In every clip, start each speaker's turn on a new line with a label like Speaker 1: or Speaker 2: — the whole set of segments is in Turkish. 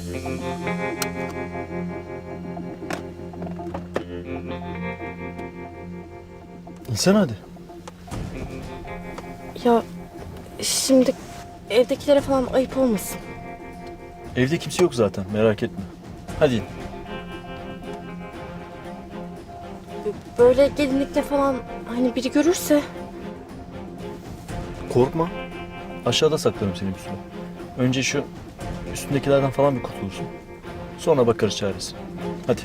Speaker 1: İnsan hadi.
Speaker 2: Ya şimdi evdekilere falan ayıp olmasın.
Speaker 1: Evde kimse yok zaten, merak etme. Hadi in.
Speaker 2: Böyle gelinlikle falan hani biri görürse.
Speaker 1: Korkma. Aşağıda saklarım seni bir süre. Önce şu üstündekilerden falan bir kurtulursun. Sonra bakarız çaresine. Hadi.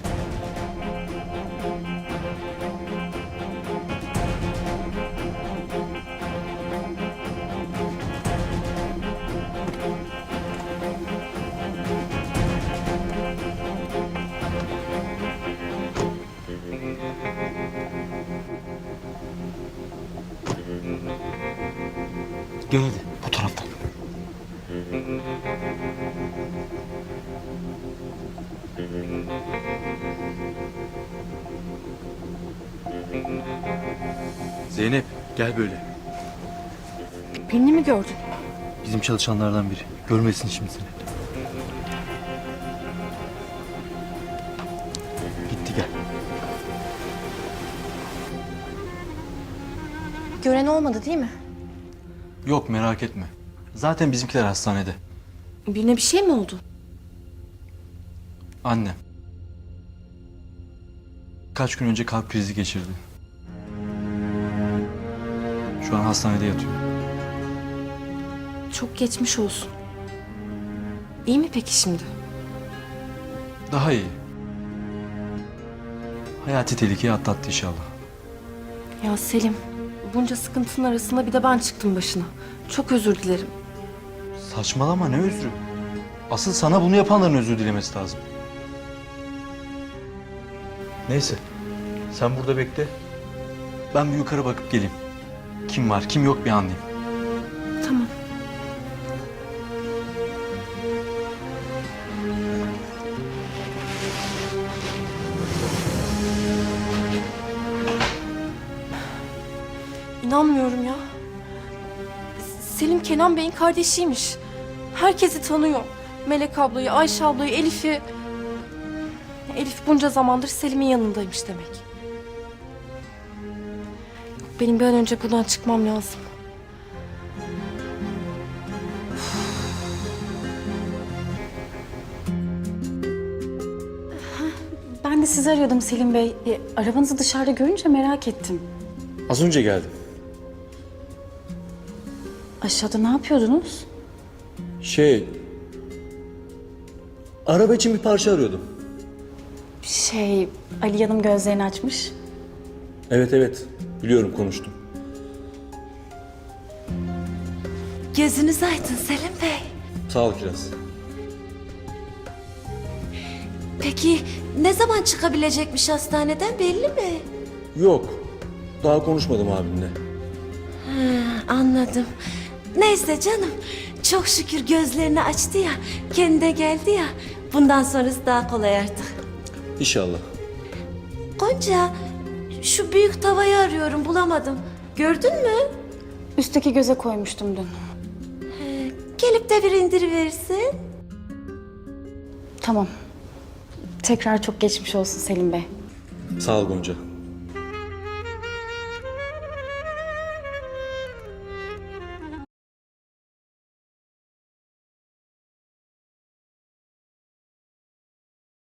Speaker 1: Gel hadi bu taraftan. Zeynep gel böyle.
Speaker 2: Birini mi gördün?
Speaker 1: Bizim çalışanlardan biri. Görmesin şimdi seni. Gitti gel.
Speaker 2: Gören olmadı değil mi?
Speaker 1: Yok merak etme. Zaten bizimkiler hastanede.
Speaker 2: Birine bir şey mi oldu?
Speaker 1: Annem. Kaç gün önce kalp krizi geçirdi. Şu an hastanede yatıyor.
Speaker 2: Çok geçmiş olsun. İyi mi peki şimdi?
Speaker 1: Daha iyi. Hayati tehlikeyi atlattı inşallah.
Speaker 2: Ya Selim, bunca sıkıntının arasında bir de ben çıktım başına. Çok özür dilerim.
Speaker 1: Saçmalama ne özrü? Asıl sana bunu yapanların özür dilemesi lazım. Neyse. Sen burada bekle. Ben bir yukarı bakıp geleyim. Kim var kim yok bir anlayayım.
Speaker 2: Tamam. İnanmıyorum ya. Selim Kenan Bey'in kardeşiymiş. Herkesi tanıyor. Melek ablayı, Ayşe ablayı, Elif'i. Elif bunca zamandır Selim'in yanındaymış demek. Benim bir an önce buradan çıkmam lazım.
Speaker 3: Ben de sizi arıyordum Selim Bey. Arabanızı dışarıda görünce merak ettim.
Speaker 1: Az önce geldim.
Speaker 3: Aşağıda ne yapıyordunuz?
Speaker 1: Araba için bir parça arıyordum.
Speaker 3: Ali Hanım gözlerini açmış.
Speaker 1: Evet. Biliyorum konuştum.
Speaker 4: Gözünüz aydın Selim Bey.
Speaker 1: Sağ ol Kiraz.
Speaker 4: Peki ne zaman çıkabilecekmiş hastaneden belli mi?
Speaker 1: Yok. Daha konuşmadım abimle.
Speaker 4: Anladım. Neyse canım. Çok şükür gözlerini açtı ya. Kendine geldi ya. Bundan sonrası daha kolay artık.
Speaker 1: İnşallah.
Speaker 4: Gonca, şu büyük tavayı arıyorum bulamadım. Gördün mü?
Speaker 3: Üstteki göze koymuştum dün.
Speaker 4: Gelip de bir indiriverirsin.
Speaker 3: Tamam. Tekrar çok geçmiş olsun Selim Bey.
Speaker 1: Sağ ol Gonca.